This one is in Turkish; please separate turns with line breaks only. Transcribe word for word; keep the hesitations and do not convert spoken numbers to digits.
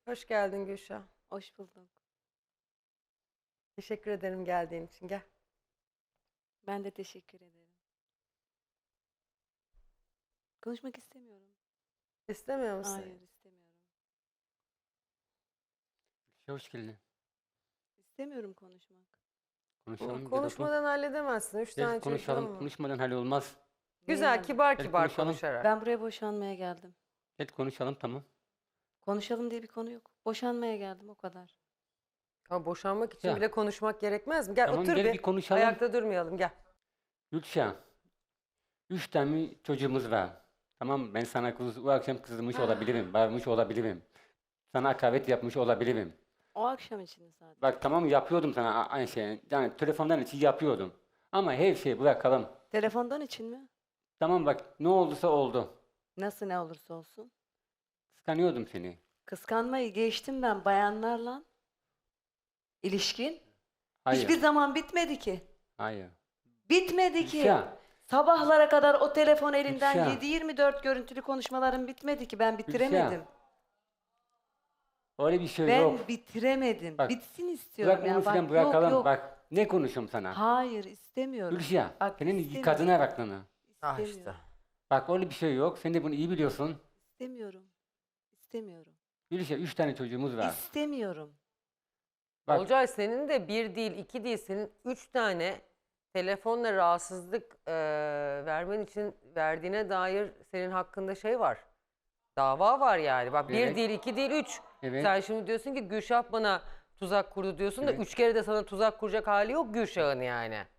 Hoş geldin Gülşah.
Hoş bulduk.
Teşekkür ederim geldiğin için. Gel.
Ben de teşekkür ederim. Konuşmak istemiyorum.
İstemiyor musun?
Hayır, istemiyorum.
Hoş geldin.
İstemiyorum konuşmak.
Konuşalım.
Bu
gel otur.
konuşmadan halledemezsin. Üç
Gel
tane çocuğun
konuşalım.
var.
Konuşmadan hallolmaz.
Güzel,
Niye?
kibar
Gel
kibar
konuşalım.
konuşarak.
Ben buraya boşanmaya geldim.
Gel konuşalım, tamam.
Konuşalım diye bir konu yok. Boşanmaya geldim, o kadar.
Ama boşanmak için
Ya.
bile konuşmak gerekmez mi? Gel
Tamam,
otur
gel
bir.
bir konuşalım.
Ayakta durmayalım. Gel.
Gülşah. Üç tane çocuğumuz var. Tamam, ben sana kız, bu akşam kızmış olabilirim. Bağırmış olabilirim. Sana hakaret yapmış olabilirim.
O akşam için sadece.
Bak tamam, yapıyordum sana a- aynı şeyi. Yani telefondan için yapıyordum. Ama her şeyi bırakalım.
Telefondan için mi?
Tamam bak, ne olduysa oldu.
Nasıl ne olursa olsun.
Kıskanıyordum seni.
Kıskanmayı geçtim ben bayanlarla. İlişkin.
Hayır.
Hiçbir zaman bitmedi ki.
Hayır.
Bitmedi ki.
Gülşah.
Sabahlara kadar o telefon elinden
Gülşah.
yedi yirmi dört görüntülü konuşmalarım bitmedi ki. Ben bitiremedim.
Öyle bir şey
Ben
yok.
bitiremedim.
Bak,
Bitsin istiyorum
Bırak
ya.
onu
Bak,
filan,
yok
bırakalım.
yok.
Bak ne konuşuyorum sana.
Hayır istemiyorum.
Gülşah,
Bak,
senin
istemiyorum.
kadına baktığını.
Ah
İstemiyorum.
işte.
Bak öyle bir şey yok. Sen de bunu iyi biliyorsun.
İstemiyorum. İstemiyorum.
Gülşah, üç tane çocuğumuz var.
İstemiyorum.
Bak,
Olcay senin de bir değil, iki değil, senin üç tane telefonla rahatsızlık eee, vermen için verdiğine dair senin hakkında şey var. Dava var yani. Bak bir
Evet.
değil, iki değil, üç.
Evet.
Sen şimdi diyorsun ki Gülşah bana tuzak kurdu diyorsun da
Evet.
üç kere de sana tuzak kuracak hali yok Gülşah'ın yani.